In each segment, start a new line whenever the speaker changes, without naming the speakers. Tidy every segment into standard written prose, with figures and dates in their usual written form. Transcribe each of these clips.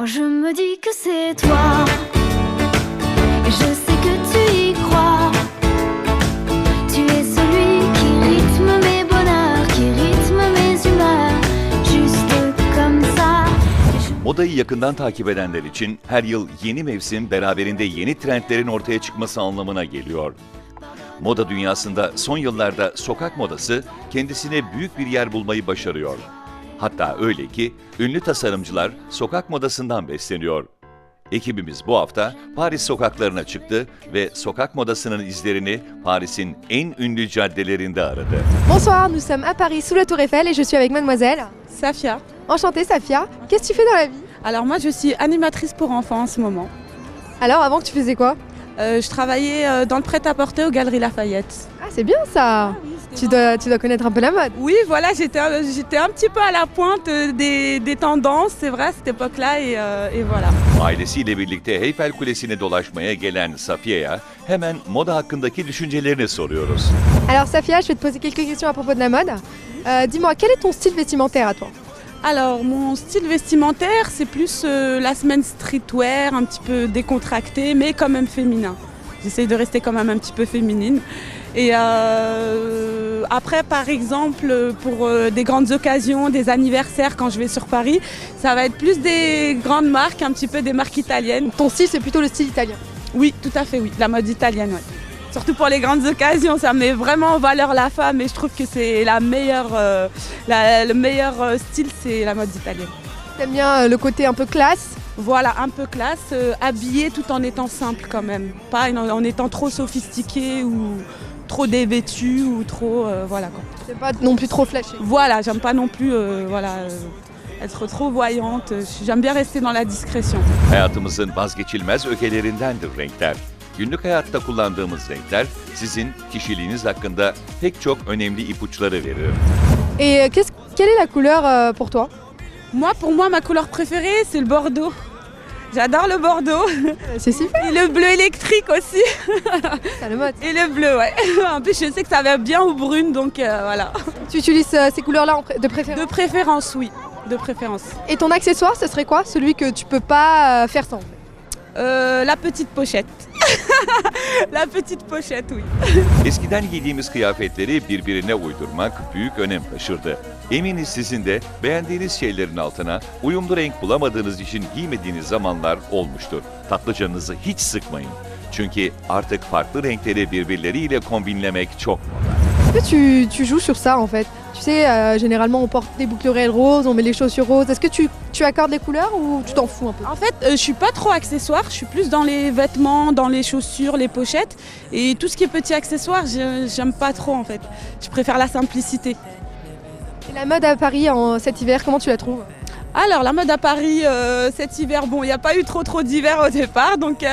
Moi je me dis que c'est toi, et je sais que tu y crois. Tu es celui qui rythme mes bonheurs, qui rythme mes humeurs, juste comme ça.
Modayı yakından takip edenler için her yıl yeni mevsim beraberinde yeni trendlerin ortaya çıkması anlamına geliyor. Moda dünyasında son yıllarda sokak modası kendisine büyük bir yer bulmayı başarıyor. Hatta öyle ki ünlü tasarımcılar sokak modasından besleniyor. Ekibimiz bu hafta Paris sokaklarına çıktı ve sokak modasının izlerini Paris'in en ünlü caddelerinde aradı.
Bonsoir, nous sommes à Paris sous la Tour Eiffel et je suis avec mademoiselle.
Safia.
Enchantée Safia, qu'est-ce que tu fais dans la vie?
Alors moi je suis animatrice pour enfants en ce moment.
Alors avant tu faisais quoi?
Je travaillais dans le prêt-à-porter aux Galeries Lafayette.
Ah c'est bien ça. Tu dois connaître un peu la mode.
Oui voilà, j'étais un petit peu à la pointe des tendances, c'est vrai à cette époque-là et voilà.
Ailesiyle birlikte Eyfel Kulesi'ni dolaşmaya gelen Safiye'ye hemen moda hakkındaki düşüncelerini soruyoruz.
Alors Safia, je vais te poser quelques questions à propos de la mode. Dis-moi, quel est ton style vestimentaire à toi?
Alors mon style vestimentaire c'est plus la semaine streetwear, un petit peu décontracté mais quand même féminin. J'essaye de rester quand même un petit peu féminine. Et après par exemple pour des grandes occasions, des anniversaires quand je vais sur Paris, ça va être plus des grandes marques, un petit peu des marques italiennes.
Ton style c'est plutôt le style italien?
Oui, tout à fait oui, la mode italienne, ouais. Surtout pour les grandes occasions, ça met vraiment en valeur la femme et je trouve que c'est le meilleur style, c'est la mode italienne.
T'aimes bien le côté un peu classe?
Voilà, un peu classe, habillé tout en étant simple quand même, pas en étant trop sophistiqué ou trop dévêtu ou trop voilà quoi.
C'est pas non plus trop flashy.
Voilà, j'aime pas non plus être trop voyante, j'aime bien rester dans la discrétion.
Hayatımızın vazgeçilmez ögelerindendir renkler. Günlük hayatta kullandığımız renkler sizin kişiliğiniz hakkında pek çok önemli ipuçları verir.
Et quelle est la couleur pour toi?
Pour moi, ma couleur préférée, c'est le bordeaux. J'adore le bordeaux.
C'est super.
Et le bleu électrique aussi.
C'est le mode.
Et le bleu, ouais. En plus, je sais que ça va bien aux brunes, donc voilà.
Tu utilises ces couleurs-là de préférence?
De préférence, oui. De préférence.
Et ton accessoire, ce serait quoi? Celui que tu peux pas faire sans?
La petite pochette. La petite pochette, oui.
Eskiden giydiğimiz kıyafetleri birbirine uydurmak büyük önem taşırdı. Eminiz sizin de beğendiğiniz şeylerin altına uyumlu renk bulamadığınız için giymediğiniz zamanlar olmuştur. Tatlıcanınızı hiç sıkmayın. Çünkü artık farklı renkleri birbirleriyle kombinlemek çok moda.
Est-ce que tu joues sur ça en fait? Tu sais, généralement on porte des boucles d'oreilles roses, on met les chaussures roses. Est-ce que tu accordes les couleurs ou tu t'en fous un peu?
En fait, je suis pas trop accessoire, je suis plus dans les vêtements, dans les chaussures, les pochettes. Et tout ce qui est petit accessoire, j'aime pas trop en fait. Je préfère la simplicité.
Et la mode à Paris cet hiver, comment tu la trouves?
Alors la mode à Paris cet hiver, bon il n'y a pas eu trop d'hiver au départ donc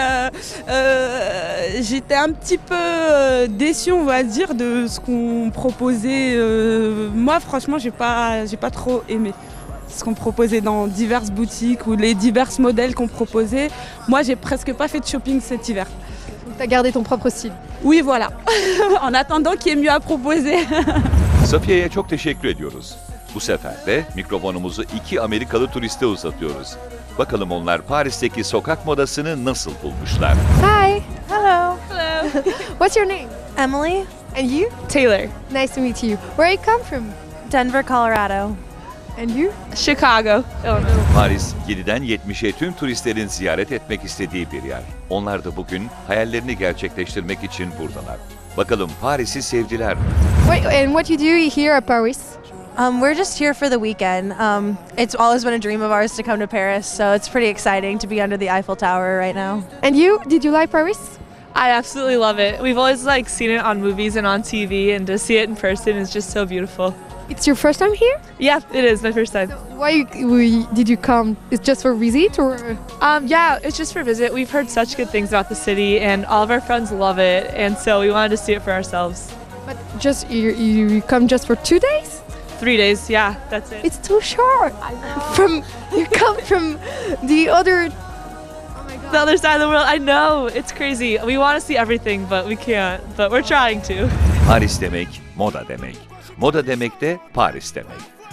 j'étais un petit peu déçue on va dire de ce qu'on proposait. Moi franchement j'ai pas trop aimé ce qu'on proposait dans diverses boutiques ou les divers modèles qu'on proposait. Moi j'ai presque pas fait de shopping cet hiver.
Donc tu as gardé ton propre style?
Oui voilà, en attendant qu'il y ait mieux à proposer.
Safiye'ye çok teşekkür ediyoruz. Bu sefer de mikrofonumuzu iki Amerikalı turiste uzatıyoruz. Bakalım onlar Paris'teki sokak modasını nasıl bulmuşlar?
Hi!
Hello.
Hello.
What's your name?
Emily.
And you?
Taylor.
Nice to meet you. Where you come from?
Denver, Colorado.
And you?
Chicago.
Paris, 7'den 70'e tüm turistlerin ziyaret etmek istediği bir yer. Onlar da bugün hayallerini gerçekleştirmek için buradalar. Bakalım Paris'i sevdiler mi?
Wait, and what you do here at Paris?
We're just here for the weekend. It's always been a dream of ours to come to Paris, so it's pretty exciting to be under the Eiffel Tower right now.
And you? Did you like Paris?
I absolutely love it. We've always seen it on movies and on TV, and to see it in person is just so beautiful.
It's your first time here?
Yeah, it is my first time.
Why did you come? It's just for visit or?
Yeah, it's just for visit. We've heard such good things about the city, and all of our friends love it, and so we wanted to see it for ourselves.
But just you come just for 2 days?
3 days, yeah, that's it.
It's too short. You come from the other.
The other side of the world, I know, it's crazy. We want to see everything, but we can't. But we're trying to.
Paris demek, moda demek. Moda demek de Paris demek.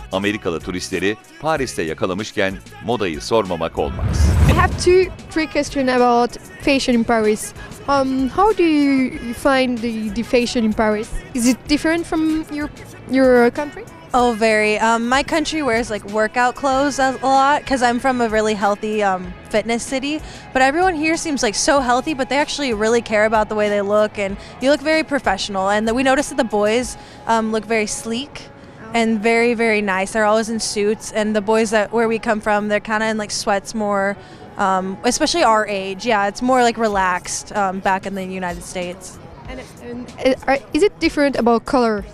Amerikalı turistleri Paris'te yakalamışken modayı sormamak olmaz.
I have three questions about fashion in Paris. How do you find the fashion in Paris? Is it different from your country?
Oh, very. My country wears like workout clothes a lot because I'm from a really healthy fitness city. But everyone here seems like so healthy, but they actually really care about the way they look, and you look very professional. And we noticed that the boys look very sleek and very, very nice. They're always in suits, and the boys where we come from, they're kind of in like sweats more, especially our age. Yeah, it's more like relaxed back in the United States.
And is it different about color?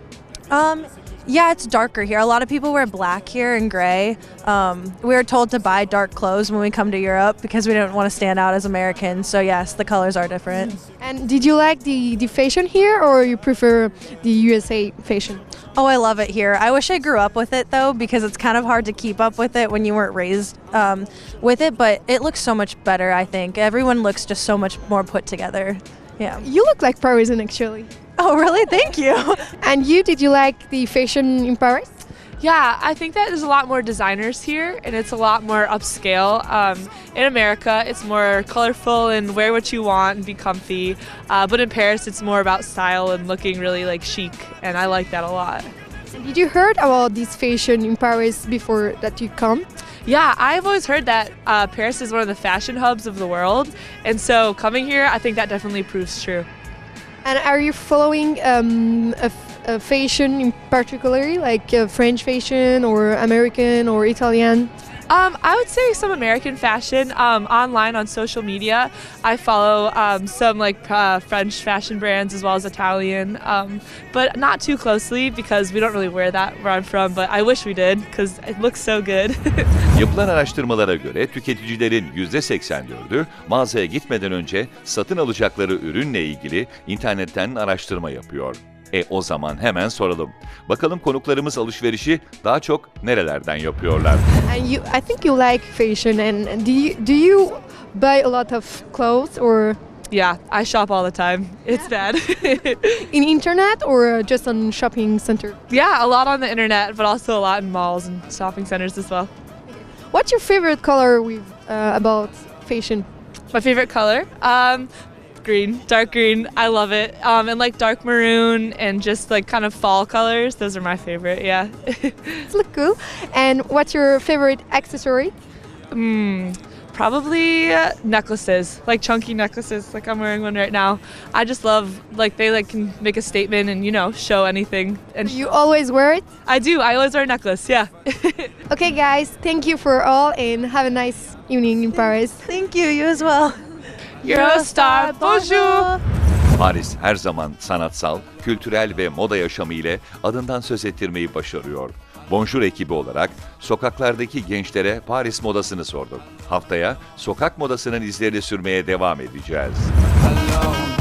Yeah, it's darker here. A lot of people wear black here and gray. We were told to buy dark clothes when we come to Europe because we don't want to stand out as Americans. So yes, the colors are different.
And did you like the fashion here, or you prefer the USA fashion?
Oh, I love it here. I wish I grew up with it though, because it's kind of hard to keep up with it when you weren't raised with it. But it looks so much better, I think. Everyone looks just so much more put together. Yeah.
You look like Parisian actually.
Oh, really? Thank you.
And did you like the fashion in Paris?
Yeah, I think that there's a lot more designers here, and it's a lot more upscale. In America, it's more colorful and wear what you want and be comfy. But in Paris, it's more about style and looking really like chic, and I like that a lot.
And did you heard about this fashion in Paris before that you come?
Yeah, I've always heard that Paris is one of the fashion hubs of the world, and so coming here, I think that definitely proves true.
And are you following a fashion in particular, like French fashion or American or Italian?
I would say some American fashion online on social media. I follow some French fashion brands as well as Italian, but not too closely because we don't really wear that where I'm from, but I wish we did because it looks so good.
Yapılan araştırmalara göre tüketicilerin %84'ü mağazaya gitmeden önce satın alacakları ürünle ilgili internetten araştırma yapıyor. O zaman hemen soralım. Bakalım konuklarımız alışverişi daha çok nerelerden yapıyorlar?
And I think you like fashion. And do you buy a lot of clothes or
Yeah, I shop all the time. It's bad.
in internet or just on shopping center?
Yeah, a lot on the internet, but also a lot in malls and shopping centers as well.
What's your favorite color about fashion?
My favorite color? Green, dark green. I love it. And like dark maroon and just like kind of fall colors. Those are my favorite, yeah.
It look cool. And what's your favorite accessory?
Probably necklaces, like chunky necklaces, like I'm wearing one right now. I just love, like they can make a statement and, show anything. And
You always wear it?
I do, I always wear a necklace, yeah.
Okay guys, thank you for all and have a nice evening in Paris.
Thank you. You as well.
Eurostar, bonjour!
Paris her zaman sanatsal, kültürel ve moda yaşamı ile adından söz ettirmeyi başarıyor. Bonjour ekibi olarak sokaklardaki gençlere Paris modasını sorduk. Haftaya sokak modasının izlerini sürmeye devam edeceğiz.